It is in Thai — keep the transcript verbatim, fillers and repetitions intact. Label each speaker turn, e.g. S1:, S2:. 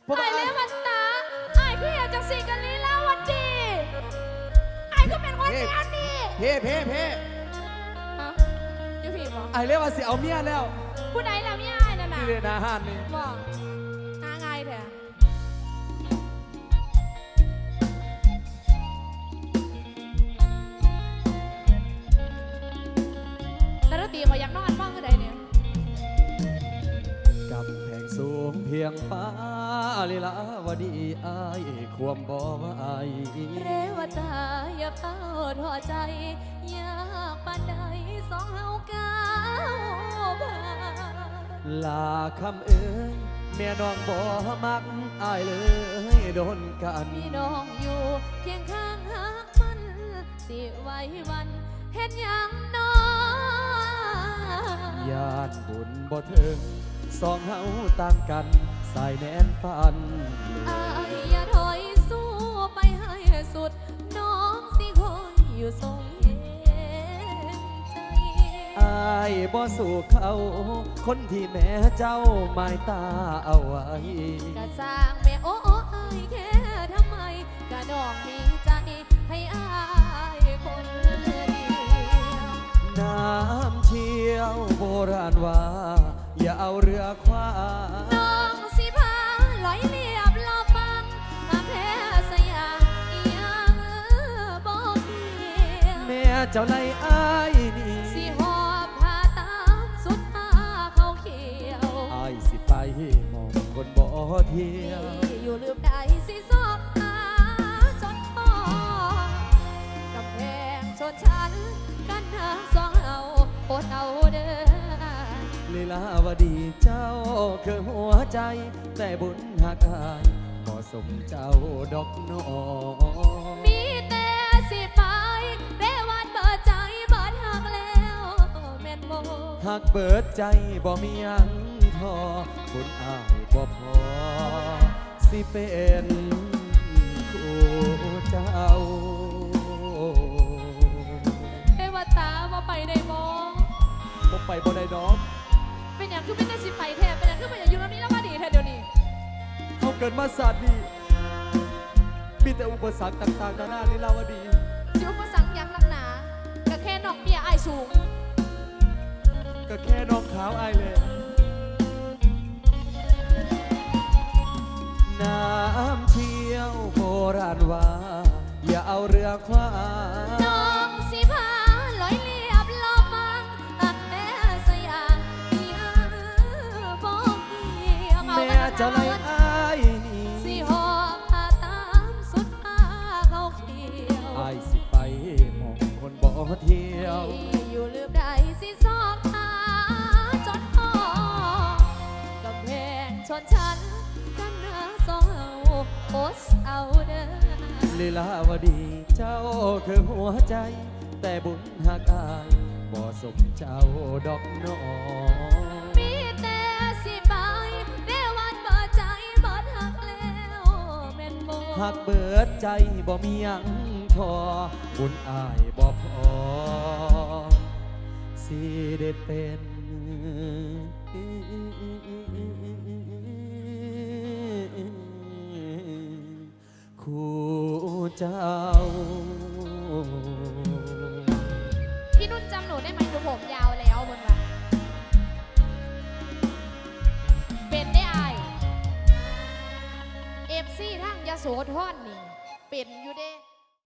S1: ไอ้เลี้ยมันตาไอ้พี่อยากจะสิกันลีลาวันดีไอ้ก็เป็นคนแก่ดี
S2: เพ่เพ่เพ่
S1: ยูพี่บอก
S2: ไอ้เรียกว่าสิเอาเมียแล้ว
S1: ผู้ใดล่ะเมียไอ้นั่นน่ะ
S2: นี่เลยนะฮันนี่
S1: บอกหาไงเถอะแล้วตีเขาอยากนอนบ้างก็ได้เนี่ย
S2: กำแพงสูงเพียงฟ้าลีลาวดีอายความบ่ว่าอาย
S1: เรวตาอย่าเฝ้าทอใจอยากปานใดสองเฮาก้าวผ่าน
S2: ลาคำเอ้ยแม่น้องบ่มักอายเลยโดนกัน
S1: มีน้องอยู่เคียงข้างหักมันสิไว้วันเห็นยังน้อ
S2: ญาติบุญบ่ถึงสองเฮาต่างกันสายแน่นปัน
S1: อายอย่าถอยสู้ไปให้สุดน้องสิคอยอยู่ทรงเห็นใจ
S2: อายบ่สู้เขาคนที่แม่เจ้าหมายตาเอาไว้
S1: กะสร้างแม่โอ้โอ้อายแค่ทำไมกะน้องมีใจให้อายคนเดียว
S2: น้ำเชี่ยวโบราณว่าอย่าเอาเรือคว้า
S1: น้องสิพาลอยเรียบรอฟังมาแพ้สยามอีหยังบอกเดียว
S2: แม่เจ้าไล่อายนี่
S1: สิหอบผ้าตามสุดผ้าเขาเขียว
S2: อายสิไปมองคนบ่เที่ยว
S1: อยู่ลืมได้สิสอบหาจนพอกับแพงชนชั้นกันหาสองเอาอดเอาเด้อ
S2: ลีลาวดีเจ้าคือหัวใจแต่บุญหักอายบ่สมเจ้าดอกน้อง
S1: มีแต่สิไปเรวันเบิดใจเบิดหักแล้วแม่นโม
S2: หักเบิดใจบ่มียังทอบุญอายบ่พอสิเป็นคู่เจ้า
S1: เอวตาบ่ไปได้บ่
S2: บ่ไปบ่ได้ดอก
S1: เป็นอย่างคือเป็นแต่สิไปแทนเป็นอย่างคือเป็นอย่างอยู่แล้วนี้แล้วมาดีแทนเดี๋ยวนี้
S2: เขาเกิดมาศาสตร์นี่มีแต่อุปสรรคต่างๆนานาลีลาวดี
S1: สิอุปสรรคยังนักหนาก็แค่นอกเมียอายสูง
S2: ก็แค่น้องขาวอายเลยน้ำเชี่ยวโบราณว่าอย่าเอาเรือคว้า
S1: น้องสิพาลอยเรียบลอฟังอักแม่สยามยังบอกเกี่ยว
S2: แม่เจ้าไล่อายนี่
S1: สิหอบผ้าตามสุดผ้าเขาเขียว
S2: อายสิไปมองคนบ่เที่ยว
S1: อยู่ลืมได้สิสอบหาจนพอกับแพงชนชั้นกันหาสองเอาโอสเอาเด้อ
S2: ลีลาวดีเจ้าคือหัวใจแต่บุญหักอายบ่สมเจ้าดอกน้อง
S1: มีแต่สิไปเรวันเบิดใจเบิดหักแล้วแม่นบ่
S2: หักเบิดใจบ่มียังทอบุญอายบ่พอสิได้เป็นคู่เจ้า
S1: พี่นุ่นจำหนูได้ไหมหนูผมยาวแล้วบนว่าเป็นได้อายเอฟซีทั้งยาโสธรนี่เป็นอยู่เด้